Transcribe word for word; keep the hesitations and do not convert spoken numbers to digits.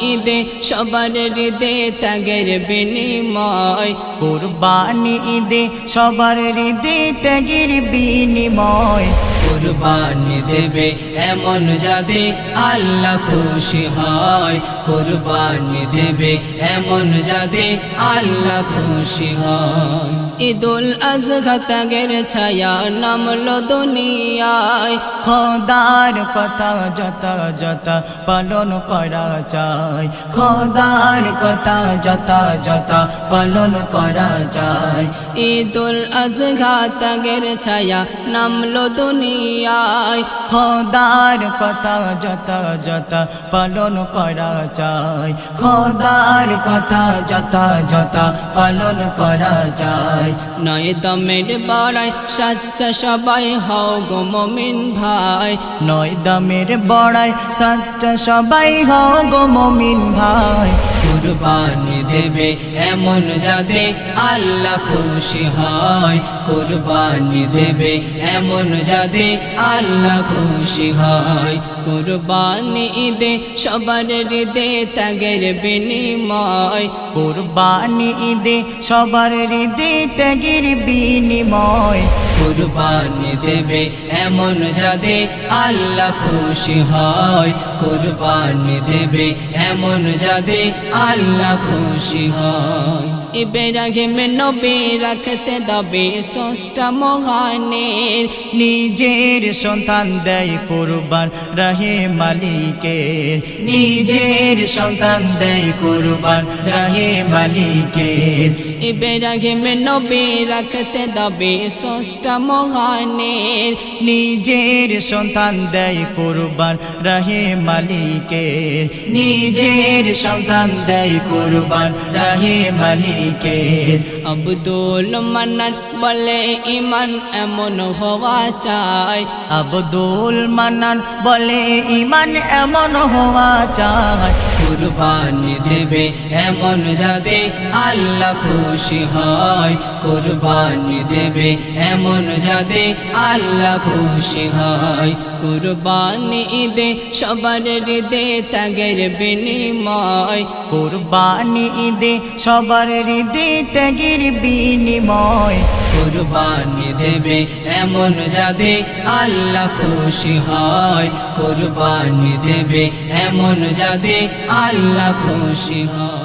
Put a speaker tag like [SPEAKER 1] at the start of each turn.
[SPEAKER 1] ঈদে সবার হৃদে ত্যাগের বিনিময়
[SPEAKER 2] কুরবানি ঈদে সবার হৃদে ত্যাগের বিনিময়
[SPEAKER 1] কুরবানি দেবে এমন যাদে আল্লাহ খুশি হয় কুরবানি দেবে এমন যাদে আল্লাহ খুশি হয় ঈদুল আজহা ত্যাগের ছায়া নামলো দুনিয়ায়
[SPEAKER 2] খোদার কথা যত যত পালন করা চাই খোদার কথা যত যত পালন করা চাই
[SPEAKER 1] ঈদুল আজহা ত্যাগের ছায়া নামলো দুনিয়ায়
[SPEAKER 2] খোদার কথা যত যত পালন করা চাই খোদার কথা যত যত পালন করা চাই
[SPEAKER 1] নয় দমের বড়াই সাচ্চা সবাই হও গো মুমিন ভাই
[SPEAKER 2] নয় দামের বড়াই সাচ্চা সবাই হও গো মুমিন ভাই
[SPEAKER 1] কুরবানি দেবে এমন যাদে আল্লাহ খুশি হয় কুরবানি দেবে এমন যাদে আল্লাহ খুশি হয় কুরবানি ঈদে সবার হৃদে ত্যাগের বিনিময়
[SPEAKER 2] কুরবানি ঈদে সবার হৃদে ত্যাগের বিনিময়
[SPEAKER 1] কুরবানি দেবে এমন যাদে আল্লাহ খুশি হয় কুরবানি দেবে এমন যাদে আল্লাহ খুশি হয় ইব্রাহিম নবী রাখতে দবে ষষ্ঠ মহানের
[SPEAKER 2] নিজের সন্তান দেয় কুরবান রাহে মালিকের নিজের সন্তান দেয় কুরবান রাহে মালিকের
[SPEAKER 1] ইব্রাহিম নবী রাখতে দবে ষষ্ঠ মহানের
[SPEAKER 2] নিজের সন্তান দেয় কুরবান রাহে মালিকের নিজের সন্তান দেয় কুরবান রাহে মালিকের
[SPEAKER 1] আব্দুল মান্নান বলে ইমান এমন হওয়া চাই
[SPEAKER 2] আব্দুল মান্নান বলে ইমান এমন হওয়া চায়
[SPEAKER 1] কুরবানি দেবে এমন যাদে আল্লাহ খুশি হয় কুরবানি দেবে এমন যাদে আল্লাহ খুশি হয় কুরবানি ঈদে সবার হৃদে ত্যাগের বিনিময়
[SPEAKER 2] কুরবানি ঈদে সবার হৃদে ত্যাগের বিনিময়
[SPEAKER 1] কুরবানি দেবে এমন যাদে আল্লাহ খুশি হয় কুরবানি দেবে এমন যাদে আল্লাহ খুশি হয়।